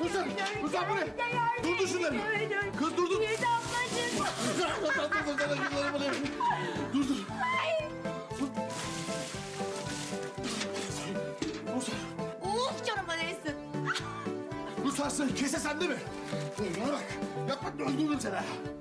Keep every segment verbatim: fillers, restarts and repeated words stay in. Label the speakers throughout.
Speaker 1: Ruslar, Ruslar bu ne? Durdur şunları. Kız durdur.
Speaker 2: Yiğit ablacığım.
Speaker 1: Ruslar durdur şunları bu ne? Durdur. Ruslar,
Speaker 2: Uf canım arayısın.
Speaker 1: Ruslar sen kese sende mi? Bana bak, yapma öldürürüm seni.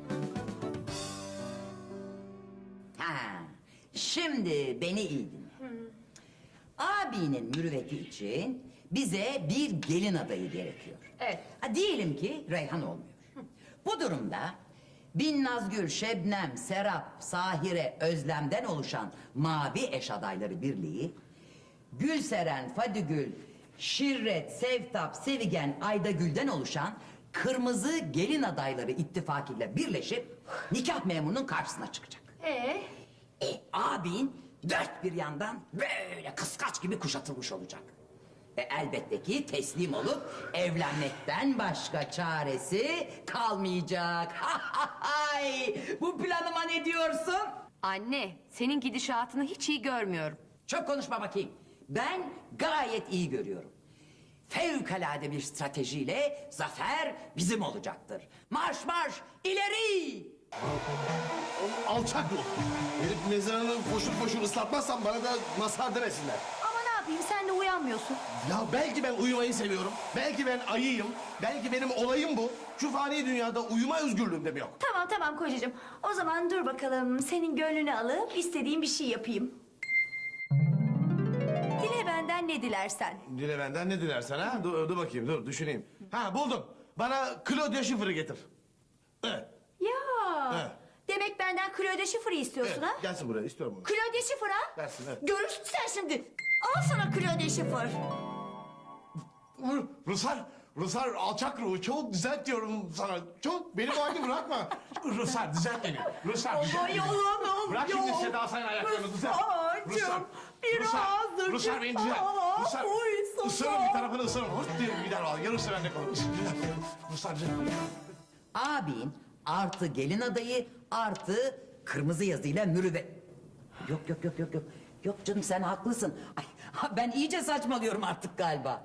Speaker 3: Ha, şimdi beni iyi dinle. Abinin mürüvveti için bize bir gelin adayı gerekiyor.
Speaker 2: Evet.
Speaker 3: Ha, diyelim ki Reyhan olmuyor. Bu durumda Binnazgül, Şebnem, Serap, Sahire, Özlem'den oluşan mavi eş adayları birliği, Gülseren, Fadigül, Şirret, Sevtap, Sevigen, Aydagül'den oluşan kırmızı gelin adayları ittifakıyla birleşip nikah memurunun karşısına çıkacak.
Speaker 2: Ee?
Speaker 3: E, abin dört bir yandan böyle kıskaç gibi kuşatılmış olacak. E, elbette ki teslim olup evlenmekten başka çaresi kalmayacak. Hay! Bu planıma ne diyorsun?
Speaker 2: Anne, senin gidişatını hiç iyi görmüyorum.
Speaker 3: Çok konuşma bakayım. Ben gayet iyi görüyorum. Fevkalade bir stratejiyle zafer bizim olacaktır. Marş marş ileri!
Speaker 1: Alçak ruh. Herif mezarını koşup koşup ıslatmazsan bana da mazhar demesinler.
Speaker 2: Ama ne yapayım, sen de uyanmıyorsun.
Speaker 1: Ya belki ben uyumayı seviyorum. Belki ben ayıyım. Belki benim olayım bu. Şu fani dünyada uyuma özgürlüğüm de mi yok?
Speaker 4: Tamam tamam kocacığım. O zaman dur bakalım senin gönlünü alıp istediğin bir şey yapayım. Dile benden ne dilersen.
Speaker 1: Dile benden ne dilersen ha? Dur, dur bakayım dur düşüneyim. Ha buldum. Bana Claudia Schiffer'ı getir. Evet.
Speaker 4: Ya.
Speaker 1: Evet.
Speaker 4: Demek benden Claudia Schiffer'ı istiyorsun
Speaker 1: Evet,
Speaker 4: ha?
Speaker 1: gelsin buraya istiyorum bunu.
Speaker 4: Claudia Schiffer ha?
Speaker 1: Gelsin, evet.
Speaker 4: Görürsün sen şimdi. Al sana Claudia Schiffer.
Speaker 1: Ruslar, Ruslar alçak ruhu çok düzelt diyorum sana. Çok beni bu halde bırakma. Ruslar düzelt beni. Ruslar düzelt beni.
Speaker 4: yalanım
Speaker 1: Bırak şimdi Seda Sayın ayaklarını düzelt.
Speaker 4: Ruslarcığım,
Speaker 1: Ruslar, Ruslar beni düzelt.
Speaker 4: Aa,
Speaker 1: Ruslar,
Speaker 4: uysana.
Speaker 1: ısırırım bir tarafını ısırırım. Hırt diye gider valla. Yarısı bende kalır. Ruslar düzelt beni.
Speaker 3: Abin artı gelin adayı artı kırmızı yazıyla mürüvvet. Yok yok yok yok yok. Yok canım sen haklısın. Ay, ben iyice saçmalıyorum artık galiba.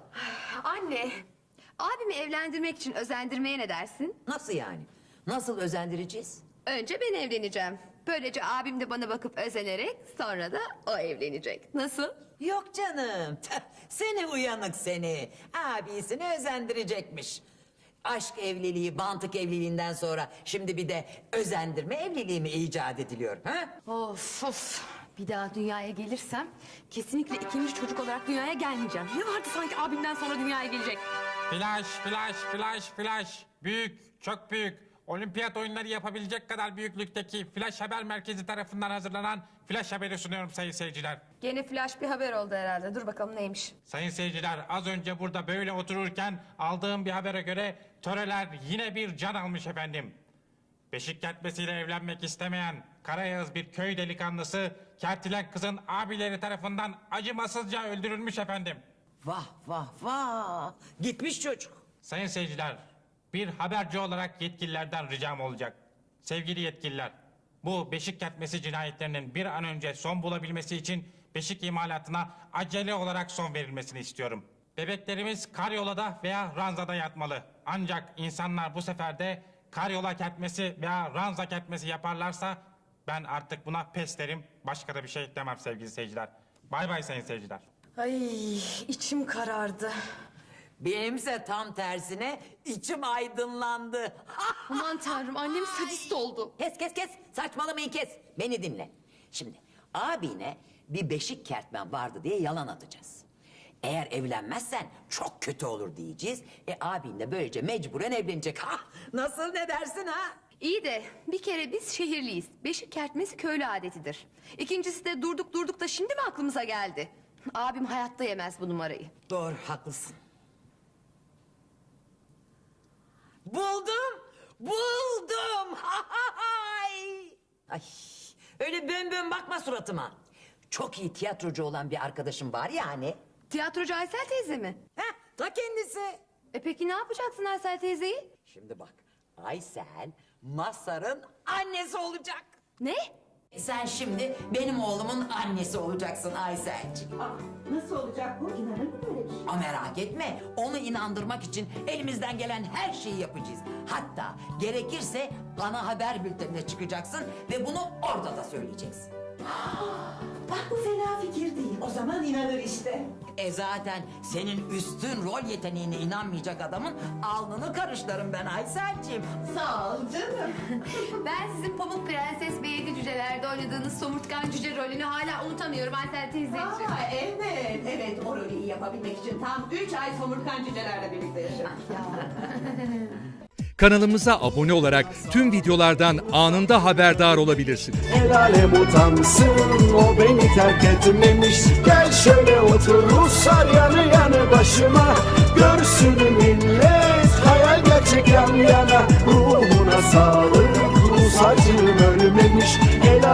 Speaker 2: Anne, abimi evlendirmek için özendirmeye ne dersin?
Speaker 3: Nasıl yani? Nasıl özendireceğiz?
Speaker 2: Önce ben evleneceğim. Böylece abim de bana bakıp özenerek sonra da o evlenecek. Nasıl?
Speaker 3: Yok canım. Tüh, seni uyanık seni. Abisini özendirecekmiş. Aşk evliliği, bantık evliliğinden sonra şimdi bir de özendirme evliliği mi icat ediliyor? Ha?
Speaker 2: Of of. Bir daha dünyaya gelirsem kesinlikle ikinci çocuk olarak dünyaya gelmeyeceğim. Ne vardı sanki abimden sonra dünyaya gelecek?
Speaker 5: Flash, flash, flash, flash. Büyük, çok büyük. Olimpiyat oyunları yapabilecek kadar büyüklükteki Flash Haber Merkezi tarafından hazırlanan Flash Haber'i sunuyorum sayın seyirciler.
Speaker 2: Gene flash bir haber oldu herhalde. Dur bakalım neymiş.
Speaker 5: Sayın seyirciler, az önce burada böyle otururken aldığım bir habere göre töreler yine bir can almış efendim. Beşik kertmesiyle evlenmek istemeyen Karayağız bir köy delikanlısı kertilen kızın abileri tarafından acımasızca öldürülmüş efendim.
Speaker 3: Vah vah vah. Gitmiş çocuk.
Speaker 5: Sayın seyirciler, bir haberci olarak yetkililerden ricam olacak. Sevgili yetkililer, bu beşik kertmesi cinayetlerinin bir an önce son bulabilmesi için beşik imalatına acele olarak son verilmesini istiyorum. Bebeklerimiz karyolada veya ranzada yatmalı. Ancak insanlar bu sefer de karyola kertmesi veya ranza kertmesi yaparlarsa ben artık buna pes derim. Başka da bir şey demem sevgili seyirciler. Bay bay sayın seyirciler.
Speaker 4: Ay içim karardı.
Speaker 3: Benimse tam tersine içim aydınlandı.
Speaker 2: Aman tanrım annem sadist oldu.
Speaker 3: Kes kes kes saçmalamayı kes. Beni dinle. Şimdi abine bir beşik kertmen vardı diye yalan atacağız. Eğer evlenmezsen çok kötü olur diyeceğiz. E abin de böylece mecburen evlenecek. Ha, nasıl ne dersin ha?
Speaker 2: İyi de bir kere biz şehirliyiz. Beşik kertmesi köylü adetidir. İkincisi de durduk durduk da şimdi mi aklımıza geldi? Abim hayatta yemez bu numarayı.
Speaker 3: Doğru haklısın. Buldum. Buldum. Hay! Ay, öyle bön bön bakma suratıma. Çok iyi tiyatrocu olan bir arkadaşım var ya hani.
Speaker 2: Tiyatrocu Aysel teyze mi?
Speaker 3: Heh, ta kendisi.
Speaker 2: E peki ne yapacaksın Aysel teyzeyi?
Speaker 3: Şimdi bak, Aysel Mazhar'ın annesi olacak.
Speaker 2: Ne?
Speaker 3: Sen şimdi benim oğlumun annesi olacaksın Aysel'ciğim.
Speaker 6: Aa, nasıl olacak bu? İnanır mı böyle bir şey?
Speaker 3: Ama merak etme, onu inandırmak için elimizden gelen her şeyi yapacağız. Hatta gerekirse ana haber bültenine çıkacaksın ve bunu orada da söyleyeceksin.
Speaker 6: Bak bu fena fikir değil. O zaman inanır işte.
Speaker 3: E zaten senin üstün rol yeteneğine inanmayacak adamın alnını karışlarım ben Aysel'ciğim.
Speaker 6: Sağ ol canım.
Speaker 2: Ben sizin Pamuk Prenses ve Yedi Cüceler'de oynadığınız somurtkan cüce rolünü hala unutamıyorum Aysel teyzeciğim.
Speaker 6: Aa, evet, evet. O rolü iyi yapabilmek için tam üç ay somurtkan cücelerle birlikte yaşadım.
Speaker 7: Kanalımıza abone olarak tüm videolardan anında haberdar olabilirsiniz.
Speaker 8: El alem utansın, o beni terk etmemiş. Gel şöyle otur Ruslar yanı yanı başıma. Görsün millet, hayal gerçek yan yana. Ruhuna sağlık, Rus acım ölmemiş. El